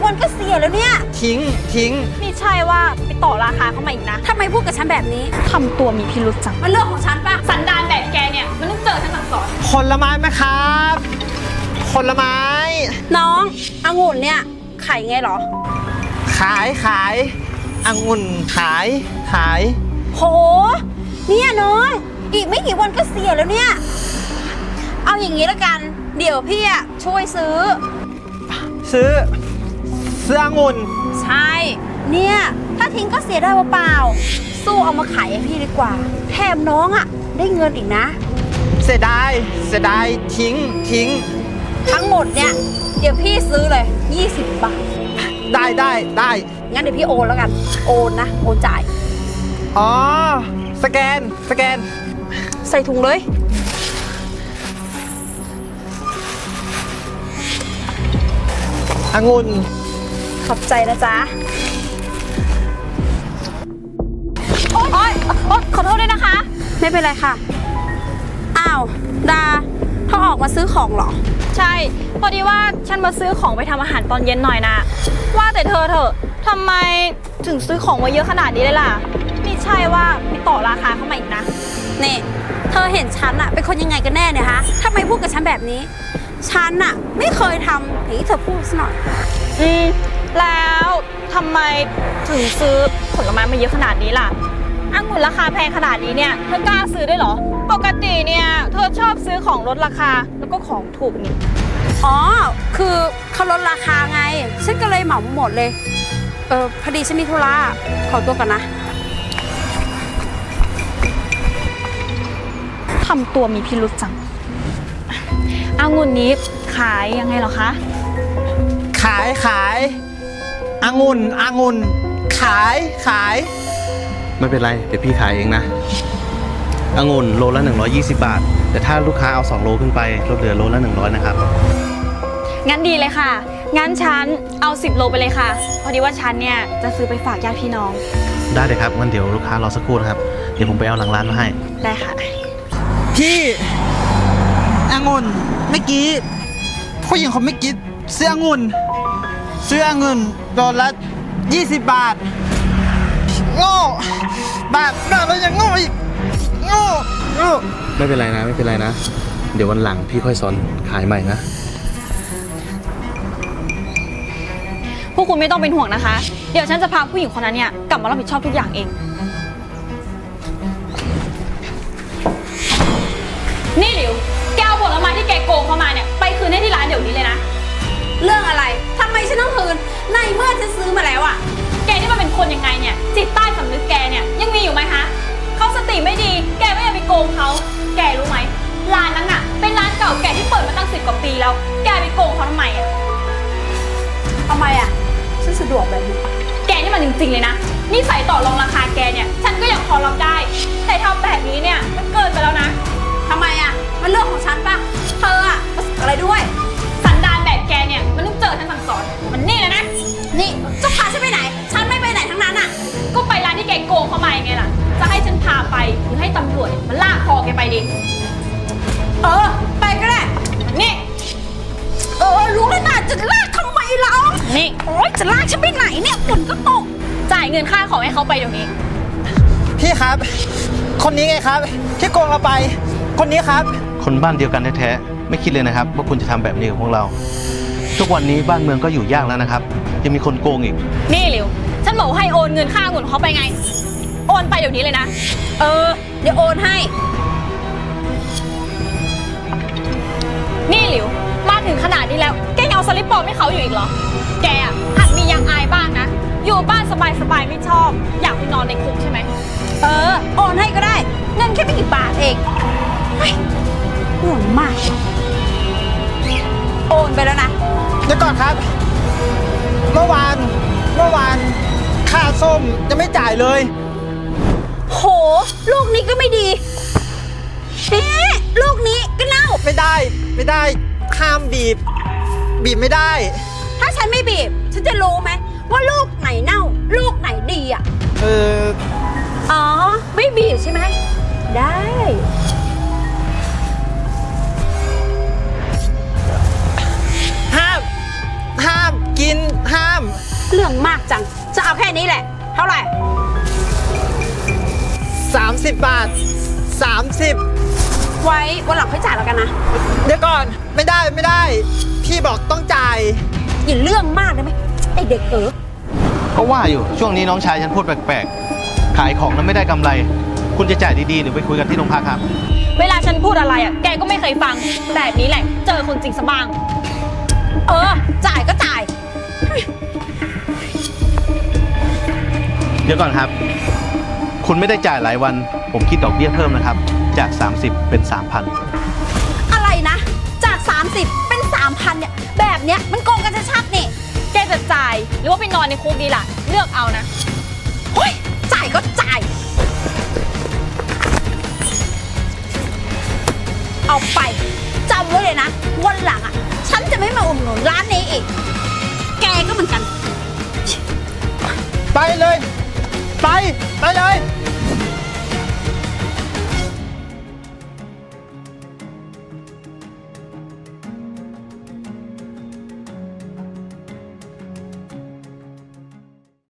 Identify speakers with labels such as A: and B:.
A: วันเกษียณแล้วเนี่ย
B: ทิ้ง
C: นี่ใช่ว่าไปต่อราคาเข้ามาอีกนะ
A: ทำไมพูดกับฉันแบบนี้
C: ทำตัวมีพิรุษจัง
A: มันเรื่องของฉันปะ
C: สันดานแบบแกเนี่ยมันต้องเจอฉันสั่งสอน
B: ผลไม้ไหมครับผลไม้
A: น้ององุ่นเนี่ยขายไงหรอ
B: ขายองุ่นขาย
A: โหเนี่ยน้องอีกไม่กี่วันก็เสียแล้วเนี่ยเอาอย่างนี้ละกันเดี๋ยวพี่อะช่วยซื้อ
B: องุ่น
A: ใช่เนี่ยถ้าทิ้งก็เสียได้เปล่าๆสู้เอามาขายให้พี่ดีกว่าแถมน้องอะได้เงินอีกนะ
B: เสียดายทิ้ง
A: ทั้งหมดเนี่ยเดี๋ยวพี่ซื้อเลย20 บาท
B: ได้
A: งั้นเดี๋ยวพี่โอนแล้วกันโอนนะโอนจ่าย
B: อ๋อสแกน
A: ใส่ถุงเลย
B: องุ่น
A: ขอบใจนะจ๊ะ
C: โอ๊ยขอโทษด้วยนะคะ
A: ไม่เป็นไรค่ะอ้าวดาเขาออกมาซื้อของเหรอ
C: ใช่พอดีว่าฉันมาซื้อของไปทำอาหารตอนเย็นหน่อยนะว่าแต่เธอทำไมถึงซื้อของมาเยอะขนาดนี้เลยล่ะนี่ใช่ว่าไปต่อราคาเข้ามาอีกนะ
A: นี่เธอเห็นฉันอะเป็นคนยังไงกันแน่เนี่ยฮะทำไมพูดกับฉันแบบนี้ฉันอะไม่เคยทำอย่างที่เธอพูดซะหน่อย
C: แล้วทำไมถึงซื้อผลไม้มาเยอะขนาดนี้ล่ะองุ่นราคาแพงขนาดนี้เนี่ยเธอกล้าซื้อได้เหรอปกติเนี่ยเธอชอบซื้อของลดราคาแล้วก็ของถูกนี่
A: อ๋อคือเขาลดราคาไงฉันก็เลยเหมาหมดเลยพอดีฉันมีธุระขอตัวก่อนนะ
C: ทำตัวมีพิรุษจังองุ่นนี้ขายยังไงเหรอคะ
B: ขายองุ่นขาย
D: ไม่เป็นไรเดี๋ยวพี่ขายเองนะองุ่นโลละ120 บาทแต่ถ้าลูกค้าเอา2 โลขึ้นไปลดเหลือโลละ100นะครับ
C: งั้นดีเลยค่ะงั้นฉันเอา10 โลไปเลยค่ะพอดีว่าฉันเนี่ยจะซื้อไปฝากญาติพี่น้อง
D: ได้เลยครับงั้นเดี๋ยวลูกค้ารอสักครู่นะครับเดี๋ยวผมไปเอาหลังร้านมาให้
C: ได้ค่ะ
B: พี่องุ่นเมื่อกี้ผู้หญิงคนเมื่อกี้ซื้อองุ่นโดนละ20 บาทโง่บาทแล้วยังโง่อีกโง่
D: ไม่เป็นไรนะเดี๋ยววันหลังพี่ค่อยสอนขายใหม่นะ
C: พวกคุณไม่ต้องเป็นห่วงนะคะเดี๋ยวฉันจะพาผู้หญิงคนนั้นเนี่ยกลับมารับผิดชอบทุกอย่างเองนี่หลิวแกเอาผลไม้ที่แกโกงเข้ามาเนี่ยไปคืนให้ที่ร้านเดี๋ยวนี้เลยนะ
A: เรื่องอะไรทำไมฉันต้องคืนในเมื่อฉันซื้อมาแล้วอะ
C: แกนี่มันเป็นคนยังไงเนี่ยจิตใต้สำนึกแกเนี่ยยังมีอยู่ไหมคะเขาสติไม่ดีแกไม่ยังไปโกงเขาแกรู้ไหมร้านนั้นน่ะเป็นร้านเก่าแก่ที่เปิดมาตั้ง10 กว่าปีแล้วแกไปโกงเขาทำไมอะ
A: ฉันสะดวกแบบนี้
C: แกนี่มันจริงๆเลยนะนี่ใส่ต่อรองราคาแกเนี่ยฉันก็ยังพอรับได้แต่ทำแบบนี้เนี่ยมันเกินไปแล้วนะ
A: ทำไมอะมันเรื่องของฉันปะเธออะอะไรด้วย
C: สันดานแบบแกเนี่ยมันต้องเจอฉันสั่งสอนมันนี่นะ
A: นี่จะพาฉันไปไหนฉันไม่ไปไหนทั้งนั้นอะ
C: ก็ไปร้านที่แกโกงเข้ามาไงล่ะจะให้ฉันพาไปหรือให้ตำรวจมันลากคอแกไปดิ
A: ไปก็ได้
C: นี่
A: รู้เลยนะจะลากทำไมเรา
C: นี่
A: โอ๊ยจะลากฉันไปไหนเนี่ยฝนก็ตก
C: จ่ายเงินค่าของให้เขาไปเดี๋ยวนี้
B: พี่ครับคนนี้ไงครับที่โกงเราไปคนนี้ครับ
D: คนบ้านเดียวกันแท้ๆไม่คิดเลยนะครับว่าคุณจะทำแบบนี้กับพวกเราทุกวันนี้บ้านเมืองก็อยู่ยากแล้วนะครับยังมีคนโกงอีก
C: นี่หลิวฉันบอกให้โอนเงินค่าองุ่นเขาไปไงโอนไปเดี๋ยวนี้เลยนะ
A: เดี๋ยวโอนให้
C: นี่หลิวมาถึงขนาดนี้แล้วแกยังเอาสลิปปลอมให้เขาอยู่อีกเหรอแกอ่ะหัดมียังอายบ้างนะอยู่บ้านสบายๆไม่ชอบอยากไปนอนในคุกใช่ไหม
A: โอนให้ก็ได้เงินแค่ไม่กี่บาทเองห่วงมากโอนไปแล้วนะ
B: เดี๋ยวก่อนครับเมื่อวานค่าส้มยังไม่จ่ายเลย
A: โหลูกนี้ก็ไม่ดีลูกนี้ก็เน่า
B: ไม่ได้ห้ามบีบไม่ได้
A: ถ้าฉันไม่บีบฉันจะรู้ไหมว่าลูกไหนเน่าลูกไหนดีอ่ะไม่บีบใช่ไหมได้
B: ห้ามกินห้าม
A: เรื่องมากจัง จะเอาแค่นี้แหละ เท่าไหร่
B: 30 บาท 30
A: ไว้วันหลังค่อยจ่ายแล้วกันนะ
B: เดี๋ยวก่อนไม่ได้ไม่ได้ พี่บอกต้องจ่าย
A: อย่าเรื่องมากได้ไหมไอเด็กเอ๋อ
D: ก็ว่าอยู่ช่วงนี้น้องชายฉันพูดแปลกๆ ขายของแล้วไม่ได้กำไร คุณจะจ่ายดีๆหรือไปคุยกันที่โรงพักครับ
C: เวลาฉันพูดอะไรอ่ะ แกก็ไม่เคยฟัง แบบนี้แหละ เจอคนจริงซะบ้าง
A: เออ จ่ายก็จ่าย
D: เดี๋ยวก่อนครับ คุณไม่ได้จ่ายหลายวัน ผมคิดดอกเบี้ยเพิ่มนะครับ จาก 30 เป็น 3,000
A: อะไรนะ จาก 30 เป็น 3,000 เนี่ย แบบเนี้ยมันโกงกันชัดๆนี่
C: แกจะจ่ายหรือว่าไปนอนในคุกดีล่ะ เลือกเอานะ
A: เฮ้ย จ่ายก็จ่าย เอาไปจำไว้เลยนะ วันหลังอ่ะ ฉันจะไม่มาอุดหนุนร้านนี้อีก แกก็เหมือนกัน
B: ไปเลย